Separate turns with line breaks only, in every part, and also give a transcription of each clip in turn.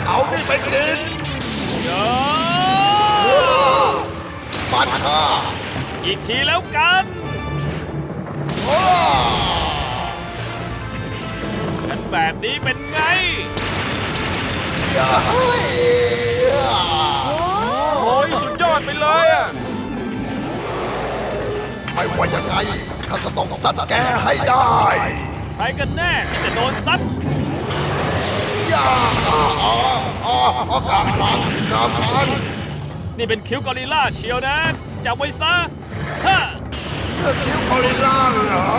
เอานี่ไปกินปันข้า
อีกทีแล้วกันงั้นแบบนี้เป็นไง
โอ้ยสุดยอดไปเลยอ่ะ
ไม่ว่ายังไงข้าก็ต้องซัดแกให้ได้
ใครกันแน่ที่จะโดนซัด
กาคัน
นี่เป็นคิ้วกอริลล่าเชียวนะจำไว้ซะฮะ
คิ้วกอริลล่าเหรอ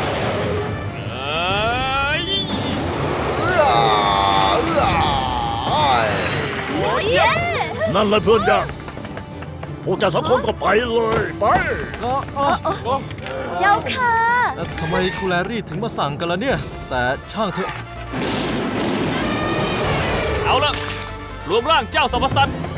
นั่นแหละเพื่อนยากพวกเจ้าสองคนก็ไปเลยไป
เจ้าค่ะ
ทำไมครูแลรี่ถึงมาสั่งกันล่ะเนี่ยแต่ช่างเถอะ
เอาละรวมร่างเจ้าสัมปสัตว์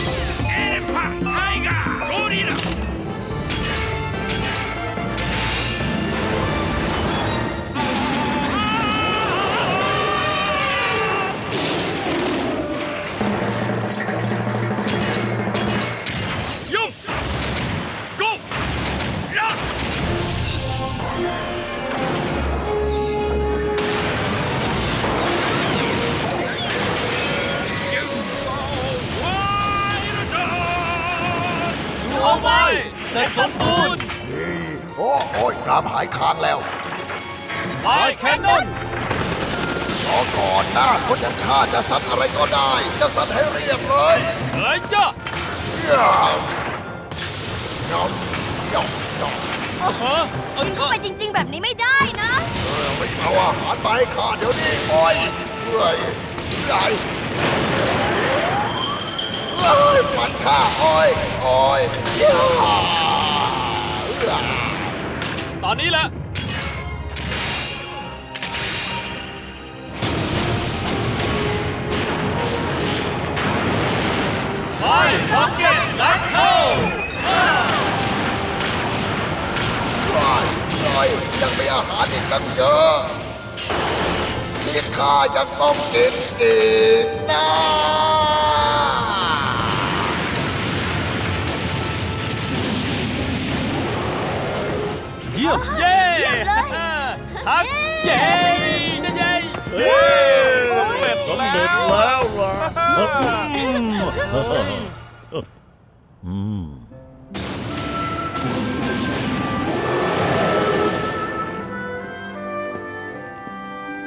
เอาไว้เสร็จสมบูรณ์
โอ้ยน้ำหายค้างแล้ว
ไม้แคนนอน
รอก่อนนะคนอย่างข้าจะซัดอะไรก็ได้จะซัดให้เรียบเลย
เฮ้ยจ้ะ
กินเข้าไปจริงๆแบบนี้ไม่ได้นะ
ไม่เอาอาหารไปให้ข้าเดี๋ยวนี้โอ้ยฟันข้าโอ้ย
ตอนนี้แหละไปพ็อกเก็ตแบ็คเทิล
ยังมีอาหารอีกตั้งเยอะที่ข้ายังต้องกินอีกนะ
เยี่ยม
เย้ทักเย้
สำเร็จ
แล้วล่ะ